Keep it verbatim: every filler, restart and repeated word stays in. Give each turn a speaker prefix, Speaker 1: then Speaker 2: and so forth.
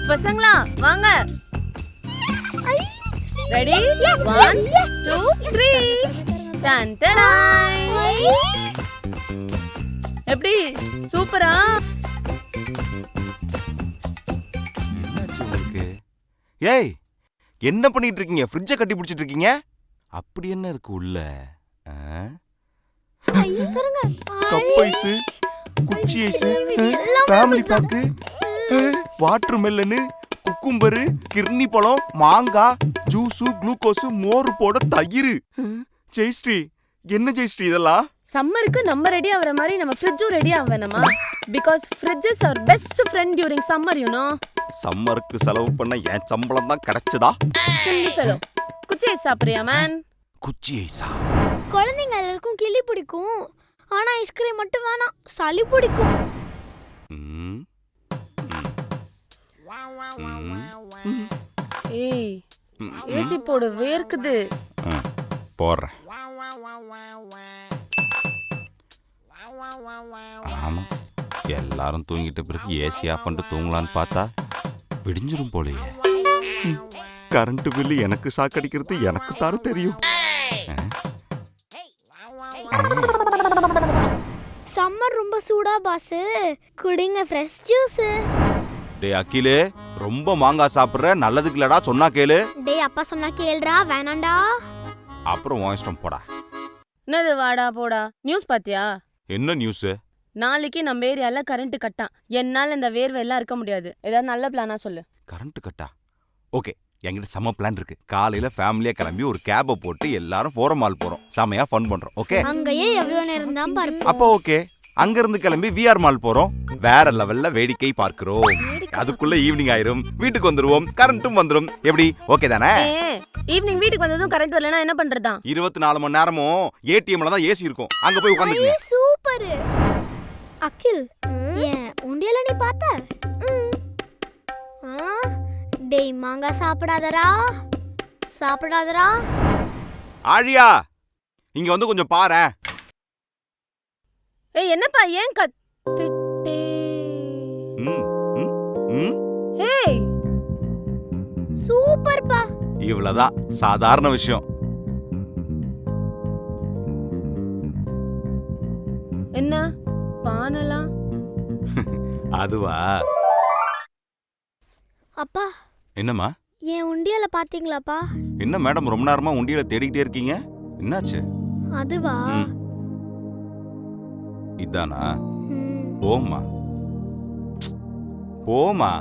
Speaker 1: பசங்களா வாங்க. Ready? One two three. டன் டடாய். எப்படி சூப்பரா?
Speaker 2: என்னாச்சு உங்களுக்கு? ஏய், என்ன பண்ணிட்டு இருக்கீங்க? ஃப்ரிட்ஜை கட்டி பிடிச்சிட்டு இருக்கீங்க? அப்படி என்ன இருக்கு உள்ள? கப் ஐஸ், குச்சி ice, family pack, watermelon, cucumber, கிர்னி பழம், மாங்காய், ஜூஸு, குளுக்கோஸ், மோர் போட தயிர். ஜெயஸ்ரீ, என்ன ஜெயஸ்ரீ இதெல்லாம்?
Speaker 1: சம்மருக்கு நம்ம ரெடி ஆகுற மாதிரி நம்ம ஃப்ரிட்ஜும் ரெடி ஆக வேணாமா? Because fridge is our best friend during summer, you know.
Speaker 2: சம்மருக்கு செலவு பண்ண என் சம்பளம் தான் கிடைச்சதா?
Speaker 1: Silly fellow. குச்சி ஐஸ் சாப்பிடுறியா மேன்?
Speaker 2: குச்சி ஐஸா?
Speaker 3: குழந்தைங்க எல்லாருக்கும் கிளி பிடிக்கும், ஆனா ஐஸ்கிரீம் மட்டும் வேணாம், சளி பிடிக்கும்.
Speaker 2: ம்.
Speaker 1: ஏய், ஏசி போடு, வேர்க்குது.
Speaker 2: போடுறேன். ஆமா, எல்லாரும் தூங்கிட்ட பிறகு ஏசி ஆஃப் பண்ணிட்டு தூங்கலான்னு பார்த்தா விடிஞ்சிரும் போலயே. கரண்ட் பில்லு எனக்கு சாக்கடிக்கிறது எனக்கு தாரு தெரியும்.
Speaker 3: சம்மர் ரொம்ப சூடா பாஸ், குடிங்க ஃப்ரெஷ் ஜூஸ்.
Speaker 2: டேய் அகிலே, ரொம்ப மாங்காய் சாப்பிடுற, நல்லதுக்கு இல்லடா, சொன்னா கேளு.
Speaker 3: டேய் அப்பா சொன்னா கேளுடா, வேணாண்டா.
Speaker 2: அப்புறம் உன் இஷ்டம் போடா.
Speaker 1: என்னது வாடா போடா? நியூஸ் பாத்தியா?
Speaker 2: என்ன நியூஸ்?
Speaker 1: நாளைக்கு நம்ம ஏரியால கரண்ட் கட்டான். என்னால இந்த வேர்வை எல்லாம் இருக்க முடியாது. ஏதாவது நல்ல பிளானா சொல்லு.
Speaker 2: கரண்ட் கட்டா? ஓகே, என்கிட்ட செம்ம பிளான் இருக்கு. காலையில ஃபேமிலியா கிளம்பி ஒரு கேபை போட்டு எல்லாரும் ஃபோரம் மால் போறோம். செமையா ஃபன் பண்றோம். ஓகே?
Speaker 3: அங்கேயே எவ்வளவு நேரம் தான் பார்ப்போம்.
Speaker 2: அப்போ ஓகே, அங்க இருந்து கிளம்பி விஆர் மால் போறோம். வேற லெவல்ல வேடிக்கை பார்க்கிறோம். அதுக்குள்ள ஈவினிங் ஆயிரும், வீட்டுக்கு வந்துருவோம், கரண்ட்டும் வந்துரும். எப்படி, ஓகே தானே?
Speaker 1: ஈவினிங் வீட்டுக்கு வந்ததும் கரண்ட் வரலனா என்ன பண்றதா?
Speaker 2: இருபத்தி நாலு மணி நேரமும் ஏடிஎம்ல தான் ஏசி இருக்கும். அங்க போய் உட்காந்துக்கங்க.
Speaker 3: சூப்பர். அகில், ஏன் உண்டியல நீ பார்த்த? டேய் மாங்காய் சாப்பிடாதடா, சாப்பிடாதடா.
Speaker 2: ஆழியா, இங்க வந்து கொஞ்சம் பாரு.
Speaker 1: ஏய் என்னப்பா, ஏன் கத்திட்டே?
Speaker 2: ம் ம் ம்.
Speaker 1: ஏய்
Speaker 3: சூப்பர்ப்பா.
Speaker 2: இவ்வளவுதான், சாதாரண விஷயம்.
Speaker 1: என்ன பானலாம்?
Speaker 2: அதுவா?
Speaker 3: அப்பா,
Speaker 2: என்னம்மா?
Speaker 3: என் உண்டியல பாத்தீங்களாப்பா?
Speaker 2: என்ன மேடம் ரொம்ப நேரமா உண்டியல தேடிக்கிட்டே இருக்கீங்க? என்னாச்சு?
Speaker 3: அதுவா?
Speaker 2: இதானா? போம்மா போமா.